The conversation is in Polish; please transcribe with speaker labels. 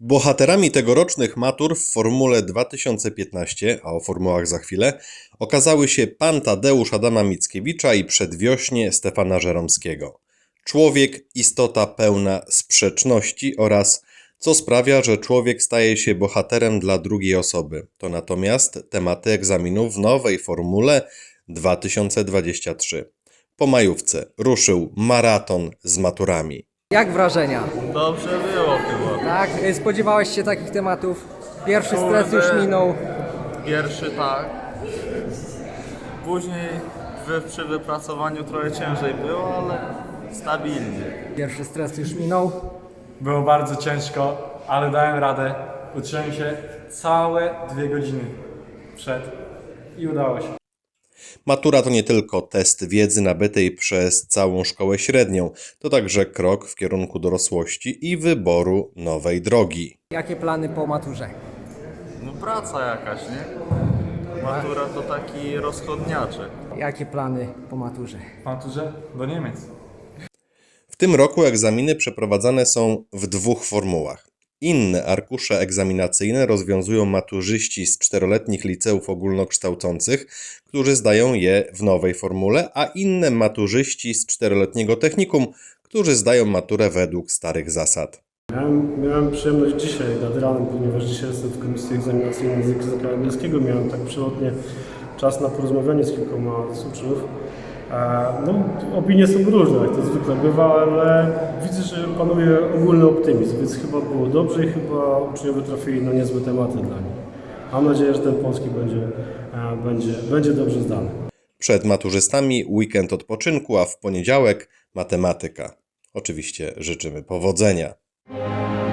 Speaker 1: Bohaterami tegorocznych matur w Formule 2015, a o formułach za chwilę, okazały się pan Tadeusz Adama Mickiewicza i przedwiośnie Stefana Żeromskiego. Człowiek, istota pełna sprzeczności oraz co sprawia, że człowiek staje się bohaterem dla drugiej osoby. To natomiast tematy egzaminów w nowej Formule 2023. Po majówce ruszył maraton z maturami.
Speaker 2: Jak wrażenia?
Speaker 3: Dobrze było chyba.
Speaker 2: Tak? Spodziewałeś się takich tematów? Pierwszy stres już minął.
Speaker 3: Pierwszy tak. Później przy wypracowaniu trochę ciężej było, ale stabilnie.
Speaker 2: Pierwszy stres już minął.
Speaker 4: Było bardzo ciężko, ale dałem radę. Uczyłem się całe 2 godziny przed i udało się.
Speaker 1: Matura to nie tylko test wiedzy nabytej przez całą szkołę średnią, to także krok w kierunku dorosłości i wyboru nowej drogi.
Speaker 2: Jakie plany po maturze?
Speaker 3: No praca jakaś, nie? Matura to taki rozchodniaczek.
Speaker 2: Jakie plany po maturze?
Speaker 4: W maturze do Niemiec.
Speaker 1: W tym roku egzaminy przeprowadzane są w 2 formułach. Inne arkusze egzaminacyjne rozwiązują maturzyści z 4-letnich liceów ogólnokształcących, którzy zdają je w nowej formule, a inne maturzyści z 4-letniego technikum, którzy zdają maturę według starych zasad.
Speaker 5: Miałem przyjemność dzisiaj nad ranem, ponieważ dzisiaj jestem w komisji egzaminacyjnej z języka angielskiego. Miałem tak przelotnie czas na porozmawianie z kilkoma z uczniów. No, opinie są różne, jak to zwykle bywa, ale widzę, że panuje ogólny optymizm, więc chyba było dobrze i chyba uczniowie trafili na niezłe tematy dla nich. Mam nadzieję, że ten polski będzie dobrze zdany.
Speaker 1: Przed maturzystami weekend odpoczynku, a w poniedziałek matematyka. Oczywiście życzymy powodzenia.